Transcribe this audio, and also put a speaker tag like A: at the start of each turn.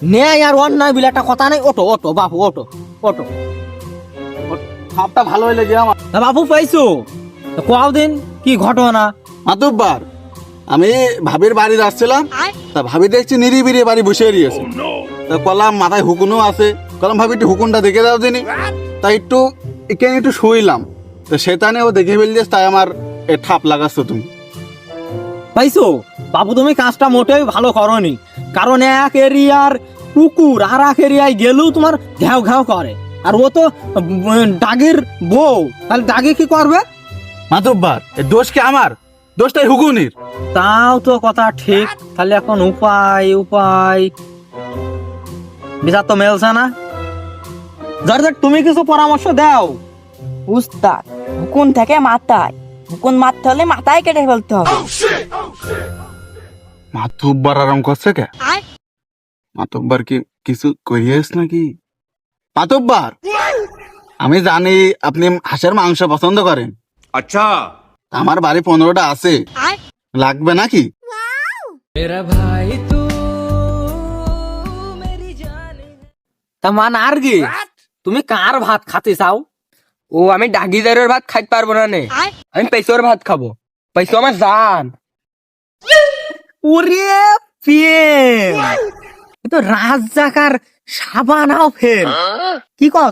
A: নেই আর অন্যায় বিলে একটা কথা নেই। ওটো ওটো বাপু ওটো ওটো।
B: সাপটা ভালো হইলে যে আমার
A: তা বাপু পাইছো? কও দিন কি ঘটনা?
B: মাতুব্বার, আমি ভাবির বাড়ি যাচ্ছিলাম, তা ভাবি দেখছি নিরিবিরি বাড়ি বসে রয়েছে। তা কলাম মাথায় হুকুনও আছে, কলাম ভাবি একটু হুকুনটা দেখে দাও দিনি। তাই একটু এখানে একটু শুইলাম, তো সেখানে ও দেখে ফেলছিস, তাই আমার এ ঠাপ লাগাচ্ছ তুমি।
A: পাইছো বাবু, তুমি কাজটা মোটেই ভালো করনি। কারণ এক এরিয়ার কুকুর আর এক এরিয়ায় গেলেও তোমার ঘ্যাও ঘ্যাও করে। আর ও তো ডাগির বউ, তাহলে ডাগি কি করবে?
B: মাতুব্বার, এ দোষ কি আমার? দোষটাই হুকুনির।
A: তাও তো কথা ঠিক। তাহলে এখন উপায় উপায় বিচার তো মেলছে না। জর্জেট, তুমি কিছু পরামর্শ দাও।
C: উস্তাদ, হুকুন থেকে মাথায়, হুকুন মারতে হলে মাথায় কেটে ফেলতে হবে।
B: মাতুব্বার আরাম করছে কে? মাতুব্বার কি কিছু করিয়েছ নাকি? মাতুব্বার, আমি জানি আপনি হাঁসের মাংস পছন্দ করেন।
D: अच्छा।
B: আমার বাড়ি 15টা আছে, লাগবে নাকি?
A: তা মান আর কি, তুমি কার ভাত খাতে চাও?
E: ও আমি ডাগিদারের ভাত খাইতে পারবো না নে, আমি পেশোর ভাত খাবো। পেশো আমার জান।
A: ওরে প্রেম, এ তো রাজ জাকার সাবানাও ফেল। কি কর